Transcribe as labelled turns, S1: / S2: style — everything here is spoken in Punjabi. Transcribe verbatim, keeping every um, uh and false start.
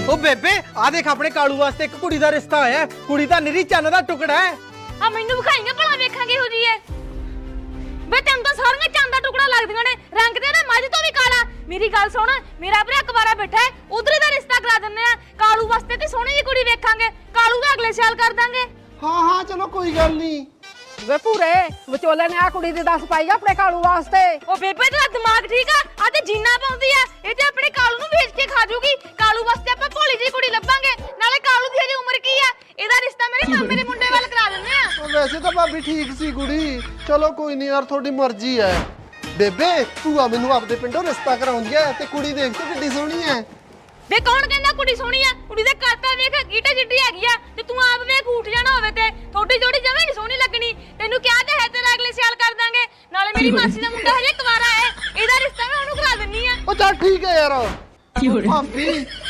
S1: ओ बेबे आ देख अपने कालू वास्ते एक कुड़ी दा रिश्ता होया है। कुड़ी दा निरी चन्न दा टुकड़ा है।
S2: आ मैनू विखाईंगे भला वेखांगे हो जी है बे तेन तो सारियां चन्न दा टुकड़ा लगदियां ने रंग ते ना मझ तो भी काला। मेरी गल सुन मेरा भरा अखबारा बैठा है उधर दा रिश्ता करा दिंदे आ। कालू वास्ते ते सोहनी जी कुड़ी वेखांगे कालू दा अगले साल कर दांगे।
S3: हाँ हाँ चलो कोई गल नहीं।
S4: ਵੇ ਪੂਰੇ ਵਿਚੋਲੇ ਨੇ ਆ ਕੁੜੀ ਦੀ ਦੱਸ ਪਾਈ ਆ ਆਪਣੇ ਕਾਲੂ ਵਾਸਤੇ।
S2: ओ बेबे तेरा दिमाग ठीक आ आ ते जीना पाउंदी आ ए ते अपने कालू नु बेच के खा जूगी। कालू वास्ते ਆਪਾਂ ਭੋਲੀ ਜੀ ਕੁੜੀ ਲੱਭਾਂਗੇ ਨਾਲੇ ਕਾਲੂ ਦੀ ਹਜੇ ਉਮਰ ਕੀ ਆ ਇਹਦਾ ਰਿਸ਼ਤਾ ਮੇਰੇ ਮਾਮੇ ਦੇ ਮੁੰਡੇ ਵੱਲ ਕਰਾ ਦਿੰਦੇ ਆ।
S3: ਉਹ ਵੈਸੇ ਤਾਂ ਭਾਬੀ ਠੀਕ ਸੀ ਕੁੜੀ ਚਲੋ ਕੋਈ ਨਹੀਂ ਯਾਰ ਤੁਹਾਡੀ ਮਰਜ਼ੀ ਹੈ। ਬੇਬੇ ਭੂਆ ਮੈਨੂੰ ਆਪਦੇ ਪਿੰਡੋਂ ਰਿਸ਼ਤਾ ਕਰਾਉਂਦੀ ਹੈ ਤੇ ਕੁੜੀ ਦੇਖ ਤੇ ਕਿੱਡੀ ਸੋਹਣੀ ਹੈ।
S2: ਵੇ ਕੌਣ ਕਹਿੰਦਾ ਕੁੜੀ ਸੋਹਣੀ ਆ ਕੁੜੀ ਦੇ ਕਰਤਾ ਵੇਖ ਗੀਟਾ ਜਿੱਡੀ ਹੈਗੀ ਆ ਤੇ ਤੂੰ ਆਪ ਵੇਖ ਉੱਠ ਜਾਣਾ ਹੋਵੇ ਤੇ ਥੋੜੀ ਜੋੜੀ ਜਵੇਂ ਨਹੀਂ ਸੋਹਣੀ ਲੱਗਣੀ। ਤੈਨੂੰ ਕਿਹਾ ਤੇ ਹੈ ਤੇਰਾ ਅਗਲੇ ਸਾਲ ਕਰ ਦਾਂਗੇ ਨਾਲੇ ਮੇਰੀ ਮਾਸੀ ਦਾ ਮੁੰਡਾ ਹਜੇ ਕੁਵਾਰਾ ਹੈ ਇਹਦਾ ਰਿਸ਼ਤਾ ਮੈਂ ਉਹਨੂੰ ਕਰਾ ਦਿੰਨੀ ਆ।
S3: ਉਹ ਚੱਲ ਠੀਕ ਹੈ ਯਾਰ ਭਾਬੀ